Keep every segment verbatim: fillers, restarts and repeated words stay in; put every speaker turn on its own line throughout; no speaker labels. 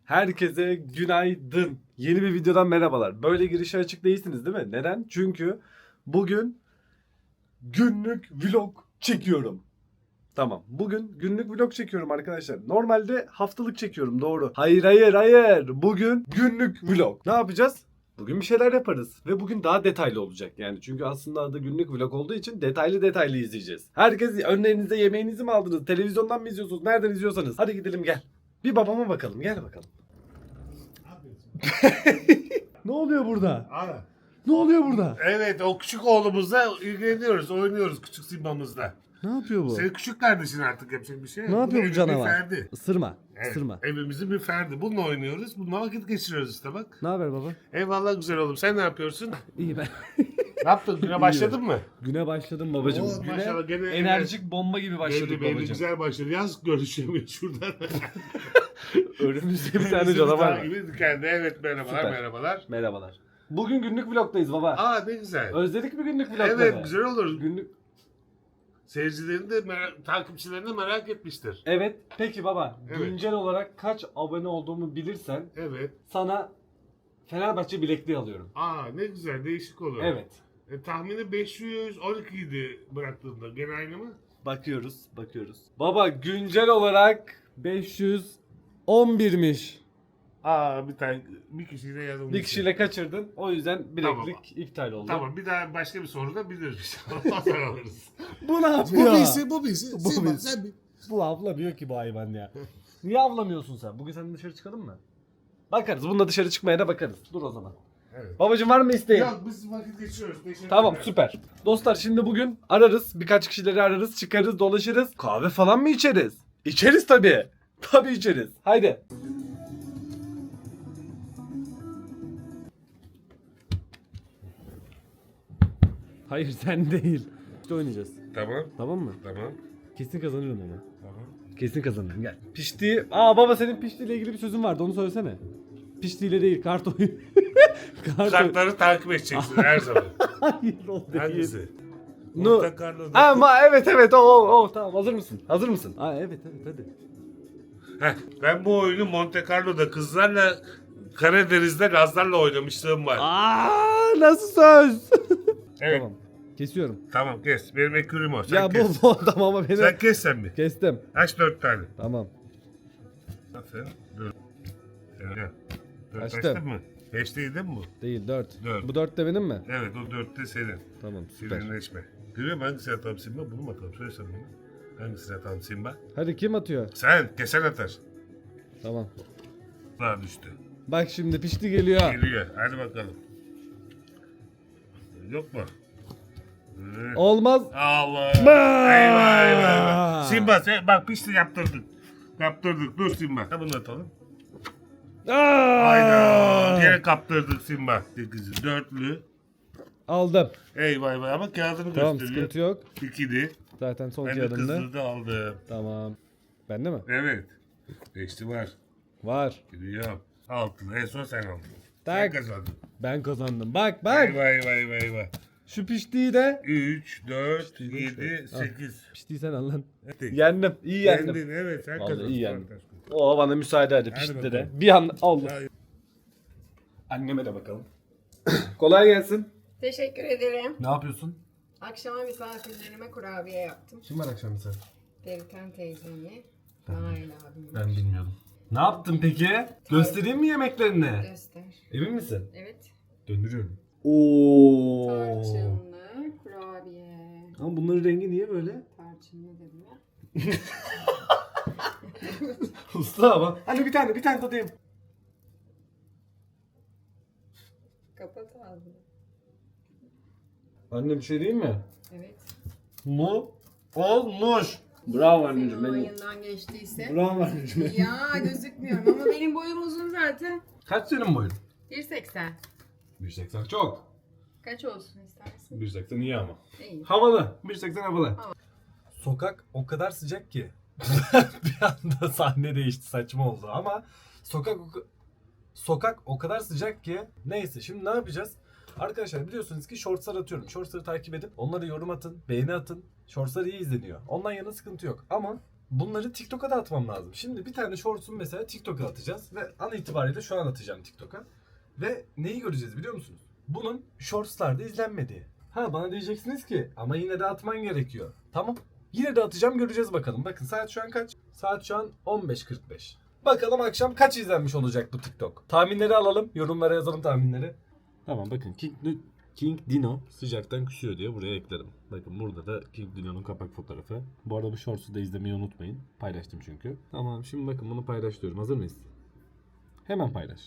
Herkese günaydın. Yeni bir videodan merhabalar. Böyle girişe açık değilsiniz değil mi? Neden? Çünkü bugün günlük vlog çekiyorum. Tamam. Bugün günlük vlog çekiyorum arkadaşlar. Normalde haftalık çekiyorum, doğru. Hayır hayır hayır. Bugün günlük vlog. Ne yapacağız? Bugün bir şeyler yaparız. Ve bugün daha detaylı olacak yani. Çünkü aslında adı günlük vlog olduğu için detaylı detaylı izleyeceğiz. Herkes önlerinize yemeğinizi mi aldınız? Televizyondan mı izliyorsunuz? Nereden izliyorsanız? Hadi gidelim gel. Bir babama bakalım. Gel bakalım. Ne oluyor burada?
Ana.
Ne oluyor burada?
Evet, o küçük oğlumuzla ilgileniyoruz, oynuyoruz küçük Simba'mızla.
Ne yapıyor bu?
Senin küçük kardeşin artık yapacak bir şey yok.
Ne yapıyor bu
evin
canavar?
Bir ferdi.
Isırma.
Evet,
Isırma.
evimizin bir ferdi. Bununla oynuyoruz, bununla vakit geçiriyoruz işte bak.
Ne haber baba?
Eyvallah güzel oğlum, sen ne yapıyorsun?
İyi ben.
Ne yaptın, güne başladın mı?
Güne başladım babacığım.
Oo,
Güne
maşallah, gene-
enerjik bomba gibi başladık
Belli belli
babacığım.
güzel başladı. Yaz görüşemiyor şuradan.
Önümüzde bir tane canavar var.
Gibi kendi. Evet merhabalar
Süper.
merhabalar.
Merhabalar. Bugün günlük vlogdayız baba.
Aa ne güzel.
Özledik mi günlük vlogları?
Evet güzel olur.
Günlük.
Seyircilerin de merak, takipçilerin de merak etmiştir.
Evet. Peki baba.
Evet.
Güncel olarak kaç abone olduğumu bilirsen
Evet.
sana Fenerbahçe bilekliği alıyorum.
Aa ne güzel değişik olur.
Evet.
E, tahmini beş yüz on iki idi bıraktığında. Gene aynı mı?
Bakıyoruz, bakıyoruz. Baba güncel olarak beş yüz on birmiş.
Aa bir tane bir kişiyle yazılmış.
Bir kişiyle kaçırdın. O yüzden bileklik
Tamam.
iptal oldu.
Tamam bir daha başka bir soru da biliriz. Ondan sonra alırız.
Bu ne yapıyor?
bu bilsin bu bilsin.
Bu
Sen,
bilsin.
sen bil.
Bu avlamıyor ki bu hayvan ya. Niye avlamıyorsun sen? Bugün seninle dışarı çıkalım mı? Bakarız. Bununla dışarı çıkmaya da bakarız. Dur o zaman.
Evet.
Babacım var mı isteğin?
Yok biz vakit geçiriyoruz. Teşekkür
Tamam
ederim.
süper. Dostlar şimdi bugün ararız. Birkaç kişileri ararız. Çıkarız dolaşırız. Kahve falan mı içeriz? İçeriz tabii. Tabii içeriz. Haydi. Hayır sen değil. İşte oynayacağız.
Tamam.
Tamam mı?
Tamam.
Kesin kazanırım ama.
Tamam.
Kesin kazanırım gel. Pişti. Aa baba senin piştiyle ilgili bir sözün vardı onu söylesene. Piştiyle değil kart oyunu. kart oyunu.
Kartları takip edeceksin her zaman.
Hayır o değil.
Hangisi?
No.
Monte Carlo'da.
Ama evet evet o o o tamam hazır mısın? Hazır mısın? Aa evet evet hadi.
Heh, ben bu oyunu Monte Carlo'da kızlarla Karadeniz'de Lazlarla oynamışlığım var.
Aa nasıl söz?
Evet.
Tamam. Kesiyorum.
Tamam kes. Benim ekürüm o. Sen
ya
kes.
bu bu adam ama beni.
Sen kes sen bir.
Kestim.
Aç dört tane.
Tamam.
Aferin. Dört. Evet. Dört
Açtım.
açtın mı? Beş değil değil mi bu?
Değil dört.
Dört.
Bu dört de benim mi?
Evet o dört de senin.
Tamam süper.
Silinleşme. Görüyor musun hangisini atalım Simba? Bunu mu atalım? Söyle sen bana. Hangisini atalım Simba?
Hadi kim atıyor?
Sen. Kesen atar.
Tamam.
Daha düştü.
Bak şimdi pişti geliyor.
Geliyor. Hadi bakalım. Yok mu? Evet.
Olmaz.
Allah.
Ba!
Eyvah eyvah eyvah. Simba sen bak pişti yaptırdık. Yaptırdık. Dur Simba. Ha bunu atalım. Hayda.
Aa!
Yine kaptırdık Simba. sekizi. Dörtlü.
Aldım.
Eyvah eyvah ama kağıdını
Tamam
gösteriyor.
sıkıntı yok.
İkili.
Zaten son
Ben de
kağıdımda.
kızını da aldım.
Tamam. Bende mi?
Evet. Beşli var.
Var.
Gidiyor. Altılı. En son sen aldın.
Tak.
Sen kazandın.
Ben kazandım. Bak bak.
Eyvah eyvah eyvah eyvah.
Şu piştiği de.
üç, dört,
Piştiği de
yedi,
şöyle.
sekiz.
Piştiği sen al lan.
Hadi.
Yendim. İyi yendim.
Yendin evet sen
Vallahi
kazandın.
iyi yendim.
Fantastik.
O bana müsaade hadi
Hadi
pişti de.
bakalım.
Bir an Allah.
Hayır.
Anneme de bakalım. Kolay gelsin.
Teşekkür ederim.
Ne yapıyorsun?
Akşama misafirlerime kurabiye yaptım.
Kim var akşam misafir?
Perikan teyzemi, Nail abim.
Ben bilmiyordum. Ne yaptın peki? Göstereyim mi yemeklerini?
Göster.
Emin misin?
Evet.
Döndürüyorum. Oo.
Tarçınlı kurabiye.
Ama bunların rengi niye böyle?
Tarçınlı dedim ya.
Usta ama. Hani bir tane bir tane tadayım.
Kapat ağzını.
Anne bir şey diyeyim mi?
Evet.
Mu olmuş. Bravo
Senin
anneciğim benim.
olayından geçtiyse.
Bravo anneciğim.
Ya gözükmüyorum ama benim boyum uzun zaten.
Kaç senin boyun?
bir seksen.
bir seksen çok.
Kaç olsun istersin?
bir seksen iyi ama.
İyi.
Havalı. bir seksen havalı.
Havalı.
Sokak o kadar sıcak ki. Bir anda sahne değişti, saçma oldu ama sokak o, sokak o kadar sıcak ki. Neyse şimdi ne yapacağız? Arkadaşlar biliyorsunuz ki shortslar atıyorum. Shortsları takip edip onlara yorum atın, beğeni atın. Shortslar iyi izleniyor. Ondan yana sıkıntı yok ama bunları TikTok'a da atmam lazım. Şimdi bir tane shorts'un mesela TikTok'a atacağız ve an itibariyle şu an atacağım TikTok'a. Ve neyi göreceğiz biliyor musunuz? Bunun shorts'larda izlenmediği. Ha bana diyeceksiniz ki ama yine de atman gerekiyor. Tamam. Yine de atacağım, göreceğiz bakalım. Bakın saat şu an kaç? Saat şu an on beş kırk beş. Bakalım akşam kaç izlenmiş olacak bu TikTok. Tahminleri alalım. Yorumlara yazalım tahminleri. Tamam bakın King, King Dino sıcaktan küsüyor diye buraya ekledim. Bakın burada da King Dino'nun kapak fotoğrafı. Bu arada bu shorts'u da izlemeyi unutmayın. Paylaştım çünkü. Tamam şimdi bakın bunu paylaşıyorum. Hazır mıyız? Hemen paylaş.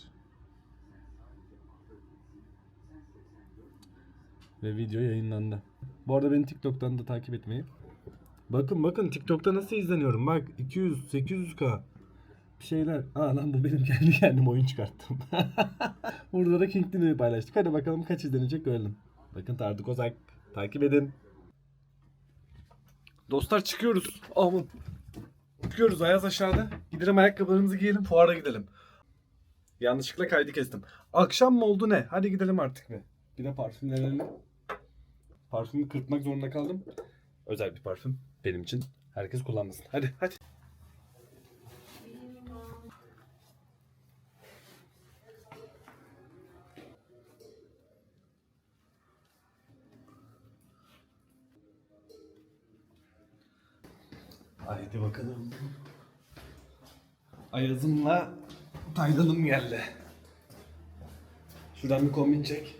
Ve video yayınlandı. Bu arada beni TikTok'tan da takip etmeyi. Bakın bakın TikTok'ta nasıl izleniyorum. Bak iki yüz sekiz yüz K. Bir şeyler. Aa lan bu benim kendi kendim oyun çıkarttım. Burada da King Dino'yu paylaştık. Hadi bakalım kaç izlenecek görelim. Bakın Tardık Ozak. Takip edin. Dostlar çıkıyoruz. Aman. Çıkıyoruz Ayaz aşağıda. Gidelim ayakkabılarımızı giyelim. Fuara gidelim. Yanlışlıkla kaydı kestim. Akşam mı oldu ne? Hadi gidelim artık be. Bir de parfümlerini. Parfümü kırpmak zorunda kaldım. Özel bir parfüm. Benim için. Herkes kullanmasın. Hadi hadi. Haydi bakalım. Ayazımla Taylan'ım geldi. Şuradan bir kombin çek.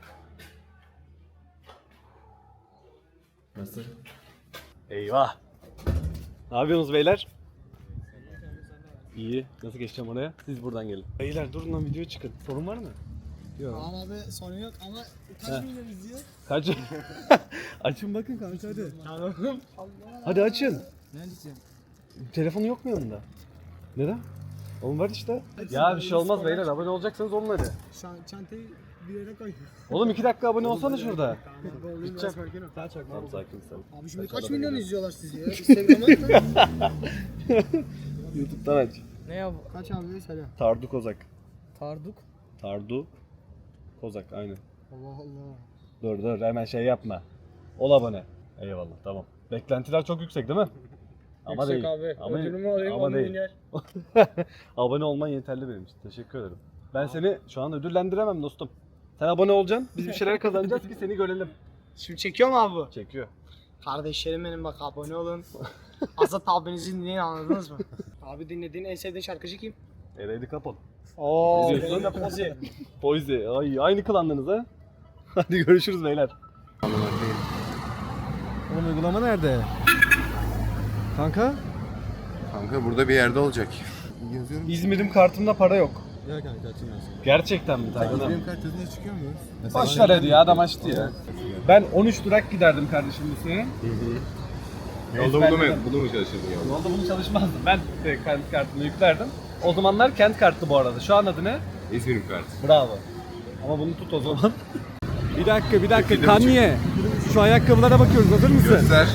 Nasıl? Eyvah. Ne yapıyorsunuz beyler? İyi. Nasıl geçeceğim oraya? Siz buradan gelin. Beyler durun lan videoya çıkın. Sorun var mı? Yok.
Tamam abi sorun yok ama
He.
kaç milyon izliyor?
Kaç? Açın bakın kanka hadi.
Tamam.
Hadi açın.
Ne diyeceğim?
Telefonu yok mu yanında? Neden? Oğlum var işte. Ya bir şey olmaz beyler, abone olacaksanız olun hadi.
Şu an çantayı bir yere koy.
Oğlum iki dakika abone olsana şurada.
Tamam abi olayım
Gideceğim.
biraz erken ol. Daha çok
Tamam sakin sen.
Abi şimdi kaç milyon izliyorlar sizi ya? Instagram'a mı?
YouTube'dan aç.
Ne ya bu? Kaç abi söyle.
Tardu Kozak.
Tarduk.
Tardu Kozak aynen.
Allah Allah.
Dur dur hemen şey yapma. Ol abone. Eyvallah tamam. Beklentiler çok yüksek değil mi? Ama
Yüksek
değil.
abi.
Ama,
Ödülümü alayım
ama
on
değil.
milyar.
Abone olman yeterli benim için. Teşekkür ederim. Ben seni şu an ödüllendiremem dostum. Sen abone olacaksın. Biz bir şeyler kazanacağız ki seni görelim.
Şimdi çekiyor mu abi bu?
Çekiyor.
Kardeşlerim benim bak abone olun. Azat abinizi dinleyin anladınız mı? Abi dinlediğin en sevdiğin şarkıcı kim?
Ereydi kapalı.
Oo,
Ne diyorsun?
benim de Pozi.
Poizi. Ay aynı klandınız ha. Hadi görüşürüz beyler. Oğlum uygulama nerede? Kanka?
Kanka burada bir yerde olacak. Yazıyorum.
İzmir'im kartımda para yok.
Ya kanka açılmıyorsun.
Gerçekten mi Taylan'ım?
Benim kart yazınca çıkıyor mu?
Boş ver hadi ya, adam açtı ya. Ben on üç durak giderdim kardeşim bu sene.
Yolda bunu mu, bunu mu çalışıyordun ya?
Yolda bunu çalışmazdım. Ben de kent kartımı yüklerdim. O zamanlar kent kartı bu arada. Şu an adı ne?
İzmir'in kartı.
Bravo. Ama bunu tut o zaman. Bir dakika bir dakika Kanye. Şu ayakkabılara bakıyoruz, hazır mısın?
Göster.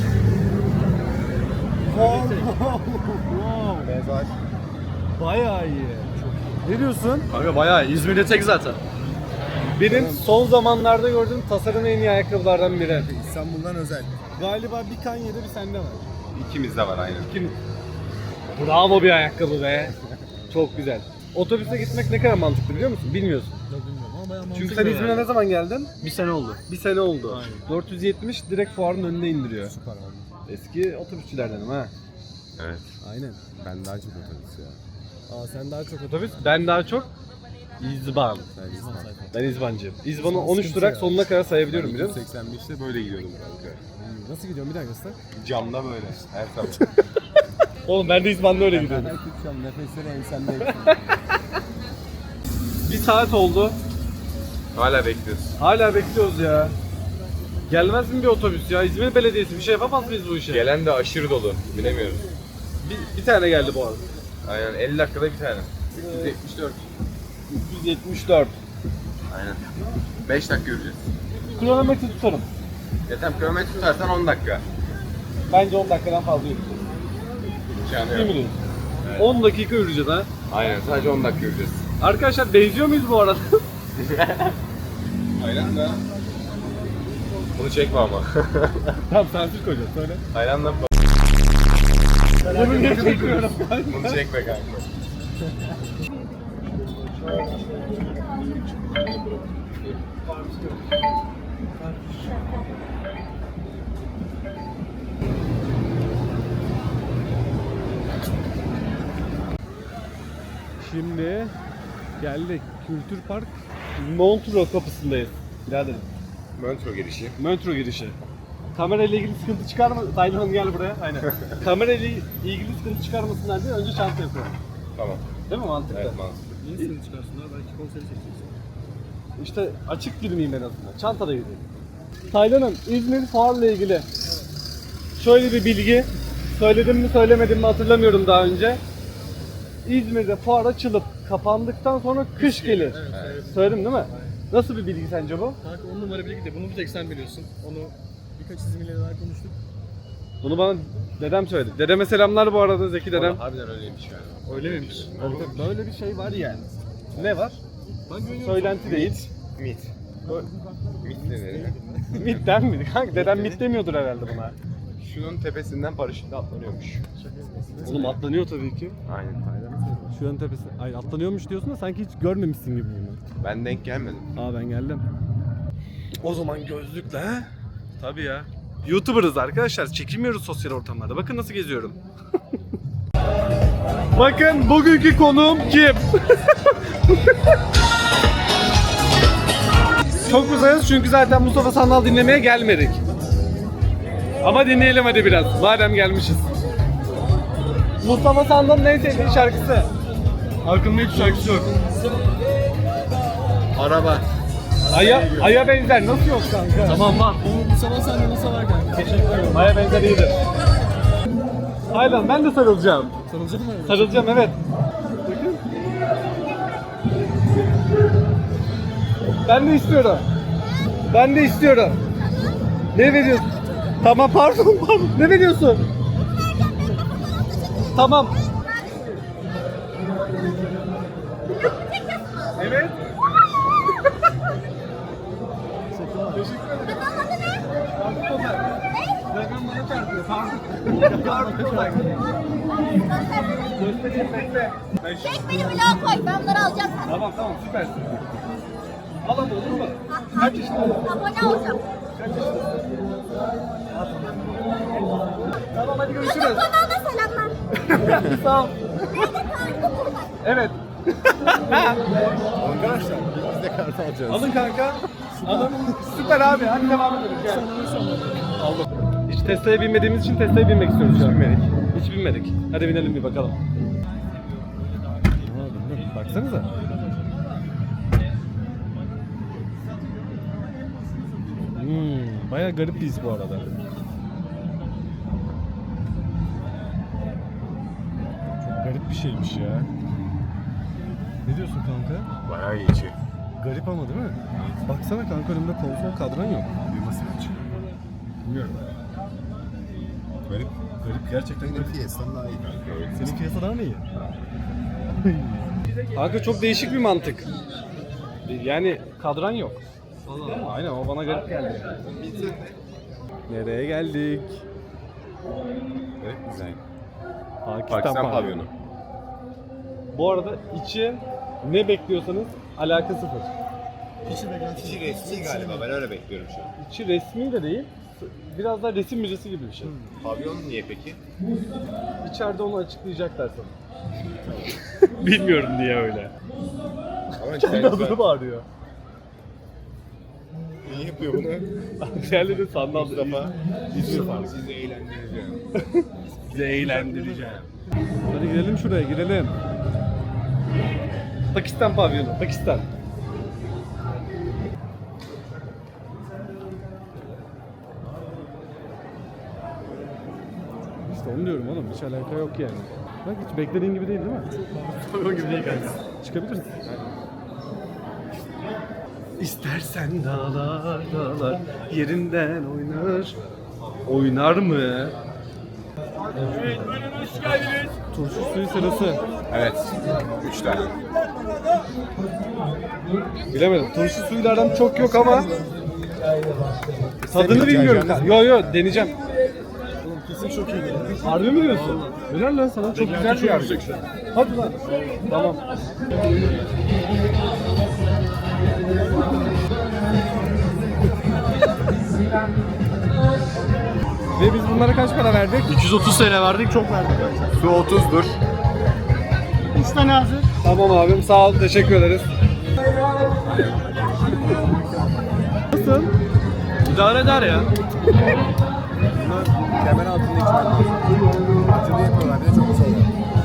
Wow.
Beyaz.
Bayağı iyi. Ne diyorsun? Kanka bayağı iyi. İzmir'de tek zaten. Benim son zamanlarda gördüğüm tasarım en iyi ayakkabılardan biri.
İstanbul'dan özel.
Galiba bir Kanye'de bir sende var.
İkimizde var aynen.
Kim? Bravo bir ayakkabı be. Çok güzel. Otobüse gitmek ne kadar mantıklı biliyor musun? Bilmiyorsun.
Bilmiyorum ama bayağı
Çünkü sen İzmir'e ne zaman geldin? Bir sene oldu. Bir sene oldu.
Aynen.
dört yüz yetmiş direkt fuarın önüne indiriyor.
Süper abi.
Eski otobüsçülerdenim ha.
Evet.
Aynen.
Ben daha çok otobüs ya.
Aa sen daha çok otobüs, ben daha çok İzban.
Ben İzmir.
Ben İzbancıyım. İzban'ı on üç durak sonuna kadar sayabiliyorum biliyor musun?
seksen beşte böyle gidiyordum kanka.
Nasıl gidiyorsun bir daha göster.
Camda böyle. Her sabah.
Oğlum ben de İzban'da öyle gidiyorum.
Ben tutacağım nefesleri ensemde.
Bir saat oldu.
Hala bekliyoruz.
Hala bekliyoruz ya. Gelmez mi bir otobüs ya? İzmir Belediyesi bir şey yapamaz mıyız bu işe?
Gelen de aşırı dolu. Bilemiyoruz.
Bir, bir tane geldi bu arada.
Aynen elli dakikada bir tane. üç yüz yetmiş dört.
üç yüz yetmiş dört.
Aynen. beş dakika yürüyeceğiz.
Kilometre tutarım.
Ya tam kilometre tutarsan on dakika.
Bence on dakikadan fazla yürüyeceğiz.
Yani
Değil mi diyorsun? on dakika yürüyeceğiz ha.
Aynen sadece on dakika yürüyeceğiz.
Arkadaşlar benziyor muyuz bu arada?
Aynen da. Bunu çekme ama.
Tamam sansür koyacağız söyle.
Aynen da.
Bunu niye çekiyorum?
Bunu çekme kanka.
Şimdi geldik. Kültür Park Montreux kapısındayız. Biraderim.
Montreux girişi.
Montreux girişi. Kamerayla ilgili sıkıntı çıkarma. Taylan Hanım gel buraya. Aynen. Kamerayla ilgili sıkıntı çıkarmasınlar diye önce çanta yapıyorum.
Tamam.
Değil mi mantıklı?
Evet mantıklı.
Niye seni çıkarsınlar? Belki konseri çekeceksin.
İşte açık girmeyeyim en azından. Çantada gideyim. Taylan'ım İzmir fuarla ilgili şöyle bir bilgi. Söyledim mi söylemedim mi hatırlamıyorum daha önce. İzmir'de fuar açılıp kapandıktan sonra kış gelir.
Evet.
Söyledim değil mi? Nasıl bir bilgi sence bu?
Kanka on numara bilgi de bunu bir tek sen biliyorsun. Onu birkaç İzmir'le daha konuştuk.
Bunu bana dedem söyledi. Dedeme selamlar bu arada Zeki dedem.
Harbiden öyleymiş galiba.
Öyle miymiş?
Böyle bir şey var yani. Ne var?
Ben güveniyorum.
Söylenti değil.
Mit. Mit ne dedi?
Mitten mi? Kanka dedem mit demiyordur herhalde buna.
Şunun tepesinden paraşütle atlanıyormuş.
Oğlum atlanıyor tabii ki.
Aynen Taylan.
Şu an tepesi. Ay atlanıyormuş diyorsun da sanki hiç görmemişsin gibi bunu.
Ben denk gelmedim.
Aa ben geldim. O zaman gözlükle he? Tabii ya. YouTuber'ız arkadaşlar. Çekilmiyoruz sosyal ortamlarda. Bakın nasıl geziyorum. Bakın bugünkü konuğum kim? Çok uzayız çünkü zaten Mustafa Sandal dinlemeye gelmedik. Ama dinleyelim hadi biraz. Madem gelmişiz. Mustafa Sandal'ın en sevdiği şarkısı. Aklımda hiç şarkısı yok.
Araba.
Aya, aya benzer nasıl yok kanka?
Tamam var. Bu, bu sabah sende nasıl var kanka?
Teşekkür ederim. Aya benzer iyidir. Aynen ben de sarılacağım.
Sarılacak mı?
Sarılacağım evet. Ben de istiyorum. Ben de istiyorum. Ne veriyorsun? Tamam pardon pardon. Ne veriyorsun? Tamam. Evet. Göstereyim bekle. Ben şu-
Çek beni bloğa koy, ben bunları alacağım sana.
Tamam tamam süpersin. Al ama olur mu? Kaç yaşındasın?
Abone olacağım.
Kaç yaşındasın? Tamam hadi görüşürüz.
Kanalda selamlar.
Sağ ol.
Nerede kaldı burada?
Evet.
Arkadaşlar biz de kart alacağız.
Alın kanka. Alın. Süper abi. Hadi devam edelim. Gel. Aldım. Hiç Tesla'ya binmediğimiz için Tesla'ya binmek istiyoruz şu an.
Binmedik.
Hiç binmedik. Hadi binelim bir bakalım. Baksanıza. Hmm, bayağı garip bir his bu arada. Çok garip bir şeymiş ya. Ne diyorsun kanka?
Bayağı iyi içi.
Garip ama değil mi? Baksana kanka önümde konsol kadran yok.
Düğmesi mi açık?
Bilmiyorum.
Garip.
Garip gerçekten garip.
Fiesta'dan daha iyi kanka.
Senin piyasa daha mı iyi? Kanka çok değişik bir mantık. Yani kadran yok. Allah. Aynen o bana garip geldi. Nereye geldik?
Evet güzel.
Pakistan,
Pakistan
pavyonu.
pavyonu.
Bu arada içi ne bekliyorsanız alaka sıfır.
İçi resmi galiba ben öyle bekliyorum şu an.
İçi resmi de değil. Biraz daha resim müzesi gibi bir şey.
Pavyon niye peki?
İçeride onu açıklayacaklar sana. Bilmiyorum niye öyle.
Ama
Kendi adını bağırıyor.
niye yapıyor bunu?
Diğerleri sandal.
Mustafa.
Mustafa.
Sizi eğlendireceğim.
Sizi eğlendireceğim. Hadi girelim şuraya girelim. Pakistan pavyonu, Pakistan. İşte onu diyorum oğlum, hiç alaka yok yani. Bak hiç beklediğin gibi değil değil mi? Pavyon gibi değil kanka. Çıkabiliriz. İstersen dağlar dağlar yerinden oynar. Oynar mı? Turşu suyu sırası.
Evet. Üç tane.
Bilemedim. Turşu suyuyla aram çok yok ama tadını
Senin
bilmiyorum.
içeceğiniz
Yo yo deneyeceğim.
Kesin çok iyi geliyor.
Harbi mi diyorsun? Helal lan sana. Çok güzel bir yer. Hadi lan. Tamam. Ve biz bunlara kaç para verdik?
iki yüz otuz T L verdik, çok verdik.
Su otuzdur.
üç tane hazır.
Tamam abim, sağ ol, teşekkür ederiz. Nasıl? İdare eder ya.
Kemer altında içmen lazım. Acılı yapıyorlar. Bir de çok güzel.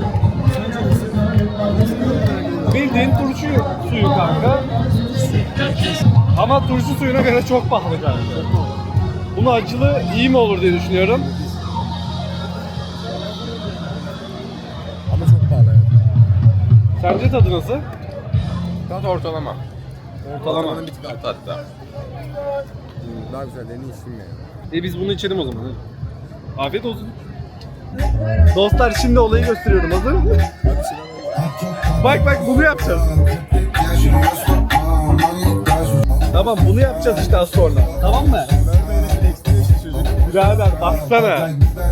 Bildiğin turşu suyu kanka. Ama turşu suyuna göre çok pahalı kanka. Bunu acılı iyi mi olur diye düşünüyorum.
Ama çok pahalı. Evet.
Sence tadı nasıl?
Tat ortalama.
Ortalama.
Ortalamanın bir tık altı hatta. Hmm, daha güzellerini içtim yani.
E biz bunu içelim o zaman. Hadi. Afiyet olsun. Dostlar şimdi olayı gösteriyorum. Hazır mı? Bak bak bunu yapacağız. Tamam bunu yapacağız işte az sonra. Tamam mı? Birader baksana.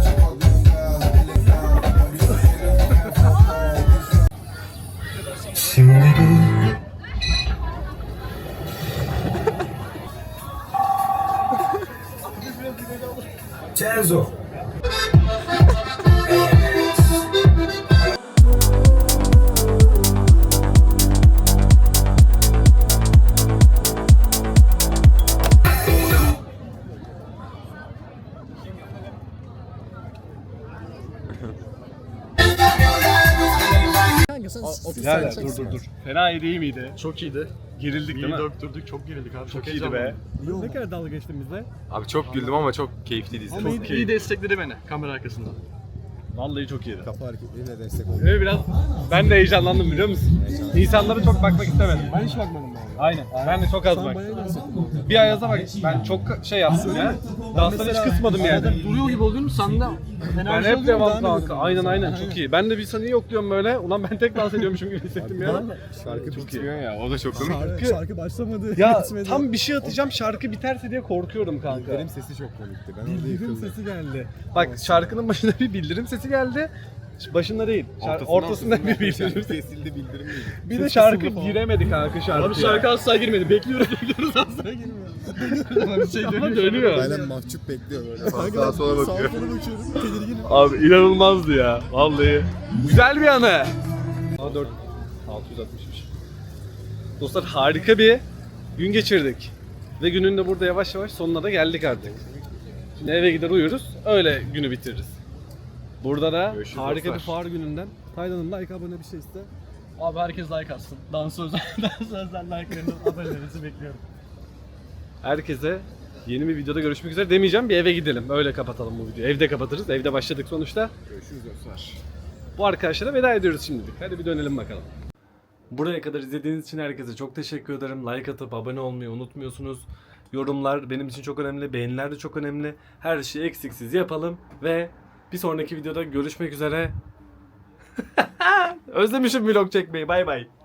Kanka sen otuz
Birader dur dur dur. Fena iyi değil miydi?
Çok iyiydi.
Gerildik değil
İyi
mi?
döktürdük, çok gerildik abi.
Çok iyiydi be. Ne kadar dalga geçtin bizle?
Abi çok güldüm ama çok keyifliydi
Ama
izlemek.
iyi, iyi destekledi beni kamera arkasından.
Vallahi çok iyiydi.
Kapı hareketleriyle destek oldu.
Evet biraz ben de heyecanlandım biliyor musun? İnsanlara çok bakmak istemedim.
Ben hiç bakmadım abi.
Aynen. Ben de çok az bak. Bir Ayaz'a bak. Ben çok şey yaptım ya. Danstan hiç kısmadım yani.
Duruyor gibi oluyorum sanda.
Ben hep devam kanka. Aynen aynen çok iyi. Ben de bir saniye yokluyorum böyle. Ulan ben tek dans ediyormuşum gibi hissettim ya.
Şarkı bitmiyor ya. O da çok komik.
Şarkı, şarkı başlamadı.
Ya
bitmedi.
tam bir şey atacağım şarkı biterse diye korkuyorum kanka.
Benim sesi çok komikti. Ben orada
Bildirim
yıkıldım.
sesi geldi.
Bak şarkının başında bir bildirim sesi geldi. Başında değil. Şar- ortasında bir bildirim sesi.
Kesildi bildirim miydi?
Bir de şarkı giremedi kanka şarkı.
Abi şarkı asla girmedi. Bekliyoruz bekliyoruz asla girmiyor. Ama bir şey
Ama dönüyor.
Aynen mahcup bekliyor böyle. Sağa sola bakıyor.
Sağa sola bakıyorum. Tedirginim.
Abi inanılmazdı ya. Vallahi. Güzel bir anı. A dört altı yüz altmışmış. Dostlar harika bir gün geçirdik. Ve günün de burada yavaş yavaş sonuna da geldik artık. Şimdi eve gider uyuruz. Öyle günü bitiririz. Burada da
Görüşürüz
harika
dostlar.
bir fuar gününden. Taylan'ın like abone bir şey iste.
Abi herkes like atsın. Dansözler, dansözler like'larını, abonelerinizi bekliyorum.
Herkese yeni bir videoda görüşmek üzere demeyeceğim. Bir eve gidelim. Öyle kapatalım bu videoyu. Evde kapatırız. Evde başladık sonuçta.
Görüşürüz dostlar.
Bu arkadaşlara veda ediyoruz şimdilik. Hadi bir dönelim bakalım. Buraya kadar izlediğiniz için herkese çok teşekkür ederim. Like atıp abone olmayı unutmuyorsunuz. Yorumlar benim için çok önemli. Beğeniler de çok önemli. Her şeyi eksiksiz yapalım. Ve bir sonraki videoda görüşmek üzere. Özlemişim vlog çekmeyi. Bay bay.